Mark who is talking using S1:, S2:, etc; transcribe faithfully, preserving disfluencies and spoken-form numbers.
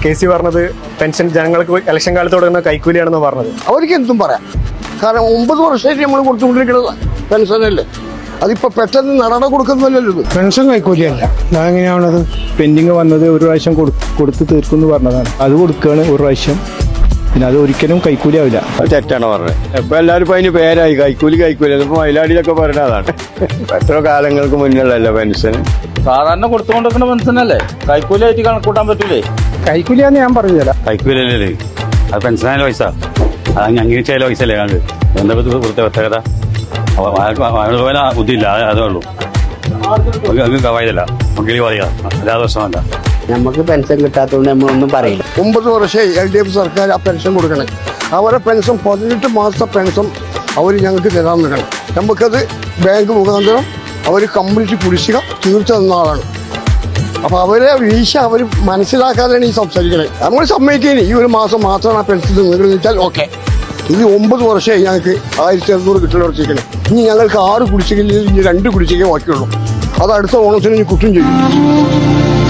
S1: K C പറഞ്ഞത് pension ജനങ്ങൾക്ക് election കാലത്ത് കൊടുക്കുന്ന കൈക്കൂലിയാണെന്ന് പറഞ്ഞത്.
S2: അവർക്ക് എന്തും പറയാം. കാരണം ഒമ്പത് വർഷമായിട്ട് നമ്മൾ കൊടുത്തുകൊണ്ടിരിക്കുന്നത് പെൻഷനല്ലേ. അതിപ്പോ പെട്ടെന്ന് നടന കൊടുക്കുന്നല്ലോ. ഇത്
S3: പെൻഷൻ കൈക്കൂലിയല്ല. അതെങ്ങനെയാണത്? പെൻഡിങ് വന്നത് ഒരു പ്രാവശ്യം കൊടുത്ത് തീർക്കുമെന്ന് പറഞ്ഞതാണ്. അത് കൊടുക്കുകയാണ് ഒരു പ്രാവശ്യം. പിന്നെ അത് ഒരിക്കലും കൈക്കൂലി ആവില്ല.
S4: അത് തെറ്റാണ് പറഞ്ഞത്. ഇപ്പൊ എല്ലാവരും ഇപ്പൊ അതിന് പേരായി കൈക്കൂലി കൈക്കൂലി. ഇപ്പൊ മയിലാടിയിലൊക്കെ പറഞ്ഞതാണ്. എത്ര കാലങ്ങൾക്ക് മുന്നിലല്ലേ പെൻഷൻ
S5: സാധാരണ കൊടുത്തുകൊണ്ടിരിക്കുന്ന പെൻഷനല്ലേ, കൈക്കൂലി ആയിട്ട് കണക്കൂട്ടാൻ പറ്റൂലേ?
S3: കൈക്കൂലിയാന്ന് ഞാൻ പറഞ്ഞില്ല.
S4: കൈക്കൂലി അല്ലേ അത് പെൻഷനായാലും പൈസ അത് അംഗീകരിച്ചായ പൈസ അല്ലേ ഞങ്ങൾക്ക്. എന്താ കൊടുത്ത പ്രത്യേകത? പോലെ ബുദ്ധിയില്ല, അതേ ഉള്ളൂ. കവായതല്ല മക്കളി പറയാ അല്ലാതെ പ്രശ്നമല്ല.
S6: നമുക്ക് പെൻഷൻ കിട്ടാത്തതുകൊണ്ട് നമ്മളൊന്നും പറയില്ല.
S2: ഒമ്പത് വർഷമായി എൽ ഡി എഫ് സർക്കാർ ആ പെൻഷൻ കൊടുക്കണേ. അവരെ പെൻഷൻ പതിനെട്ട് മാസത്തെ പെൻഷൻ അവർ ഞങ്ങൾക്ക് തരാൻ നിൽക്കണം. നമുക്കത് ബാങ്ക് മുഖാന്തരം അവർ കംപ്ലീറ്റ് കുടിശ്ശിക തീർച്ച തന്ന ആളാണ്. അപ്പൊ അവരെ വീഴ്ച അവർ മനസ്സിലാക്കാതെയാണ് ഈ സംസാരിക്കണേ. നമ്മൾ സമ്മതിക്കേനി ഈ ഒരു മാസം മാത്രമാണ് ആ പെൻഷൻ നിങ്ങൾ വെച്ചാൽ ഓക്കെ. ഇത് ഒമ്പത് വർഷമായി ഞങ്ങൾക്ക് ആയിരത്തി അറുന്നൂറ് കിട്ടൽ ഉറച്ചിരിക്കണേ. ഇനി ഞങ്ങൾക്ക് ആറ് കുടിശ്ശികയിൽ ഇനി രണ്ട് കുടിശ്ശികയെ ബാക്കിയുള്ളൂ. അത് അടുത്ത ഓണത്തിന് ഇനി കുറ്റം ചെയ്യും.